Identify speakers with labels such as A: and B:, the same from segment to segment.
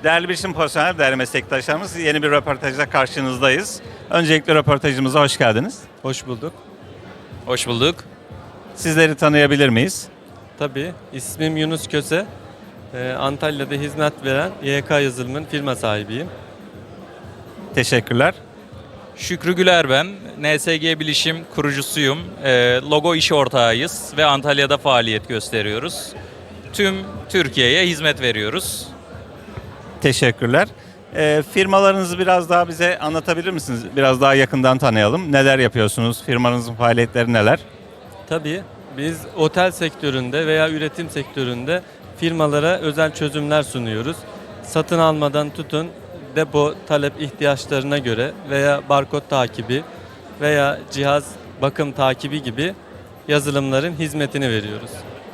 A: Değerli bilişim profesyonel, değerli meslektaşlarımız, yeni bir röportajla karşınızdayız. Öncelikle röportajımıza hoş geldiniz.
B: Hoş bulduk.
C: Hoş bulduk.
A: Sizleri tanıyabilir miyiz?
B: Tabii ismim Yunus Köse. Antalya'da hizmet veren YK Yazılım'ın firma sahibiyim.
A: Teşekkürler.
C: Şükrü Güler ben. NSG Bilişim kurucusuyum. Logo iş ortağıyız ve Antalya'da faaliyet gösteriyoruz. Tüm Türkiye'ye hizmet veriyoruz.
A: Teşekkürler. Firmalarınızı biraz daha bize anlatabilir misiniz? Biraz daha yakından tanıyalım. Neler yapıyorsunuz? Firmanızın faaliyetleri neler?
B: Tabii biz otel sektöründe veya üretim sektöründe firmalara özel çözümler sunuyoruz. Satın almadan tutun depo talep ihtiyaçlarına göre veya barkod takibi veya cihaz bakım takibi gibi yazılımların hizmetini veriyoruz.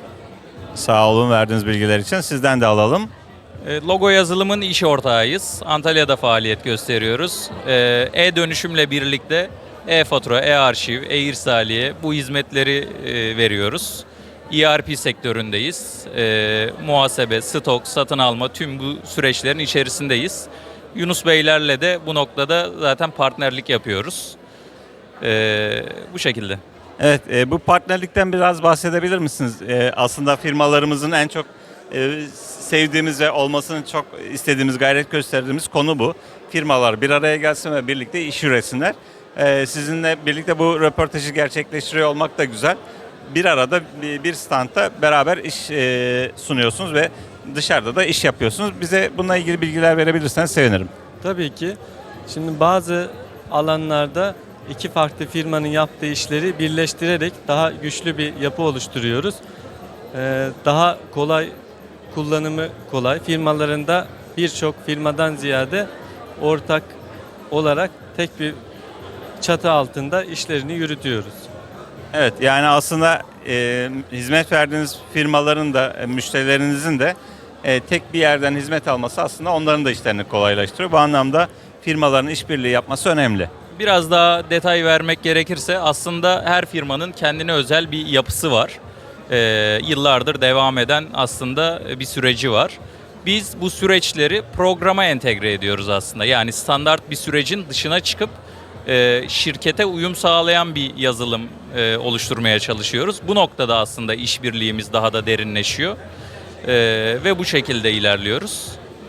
A: Sağ olun verdiğiniz bilgiler için. Sizden de alalım.
C: Logo yazılımın iş ortağıyız. Antalya'da faaliyet gösteriyoruz. E-dönüşümle birlikte e-fatura, e-arşiv, e-irsaliye bu hizmetleri veriyoruz. ERP sektöründeyiz. Muhasebe, stok, satın alma tüm bu süreçlerin içerisindeyiz. Yunus Beylerle de bu noktada zaten partnerlik yapıyoruz. Bu şekilde.
A: Evet, bu partnerlikten biraz bahsedebilir misiniz? Aslında firmalarımızın en çok sevdiğimiz ve olmasını çok istediğimiz, gayret gösterdiğimiz konu bu. Firmalar bir araya gelsin ve birlikte iş üretsinler. Sizinle birlikte bu röportajı gerçekleştiriyor olmak da güzel. Bir arada bir standta beraber iş sunuyorsunuz ve dışarıda da iş yapıyorsunuz. Bize bununla ilgili bilgiler verebilirseniz sevinirim.
B: Tabii ki. Şimdi bazı alanlarda iki farklı firmanın yaptığı işleri birleştirerek daha güçlü bir yapı oluşturuyoruz. Daha kolay, kullanımı kolay. Firmalarında birçok firmadan ziyade ortak olarak tek bir çatı altında işlerini yürütüyoruz.
A: Evet, yani aslında hizmet verdiğiniz firmaların da müşterilerinizin de tek bir yerden hizmet alması aslında onların da işlerini kolaylaştırıyor. Bu anlamda firmaların işbirliği yapması önemli.
C: Biraz daha detay vermek gerekirse aslında her firmanın kendine özel bir yapısı var. Yıllardır devam eden aslında bir süreci var. Biz bu süreçleri programa entegre ediyoruz aslında. Yani standart bir sürecin dışına çıkıp şirkete uyum sağlayan bir yazılım oluşturmaya çalışıyoruz. Bu noktada aslında işbirliğimiz daha da derinleşiyor ve bu şekilde ilerliyoruz.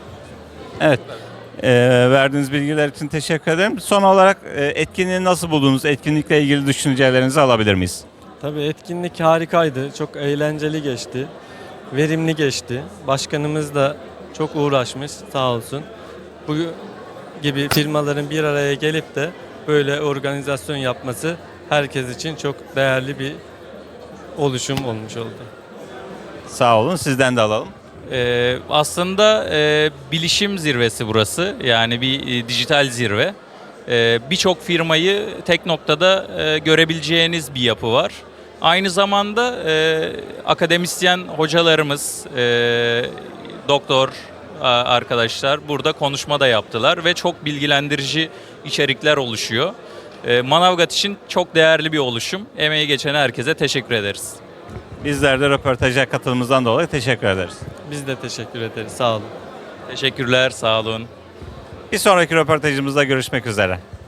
A: Evet. Verdiğiniz bilgiler için teşekkür ederim. Son olarak etkinliği nasıl buldunuz? Etkinlikle ilgili düşüncelerinizi alabilir miyiz?
B: Tabii etkinlik harikaydı. Çok eğlenceli geçti. Verimli geçti. Başkanımız da çok uğraşmış sağ olsun. Bu gibi firmaların bir araya gelip de böyle organizasyon yapması herkes için çok değerli bir oluşum olmuş oldu.
A: Sağ olun. Sizden de alalım.
C: Aslında bilişim zirvesi burası. Yani bir dijital zirve. Birçok firmayı tek noktada görebileceğiniz bir yapı var. Aynı zamanda akademisyen hocalarımız, doktor arkadaşlar burada konuşma da yaptılar ve çok bilgilendirici içerikler oluşuyor. Manavgat için çok değerli bir oluşum. Emeği geçen herkese teşekkür ederiz.
A: Bizler de röportaja katılımımızdan dolayı teşekkür ederiz.
B: Biz de teşekkür ederiz. Sağ olun.
C: Teşekkürler, sağ olun.
A: Bir sonraki röportajımızda görüşmek üzere.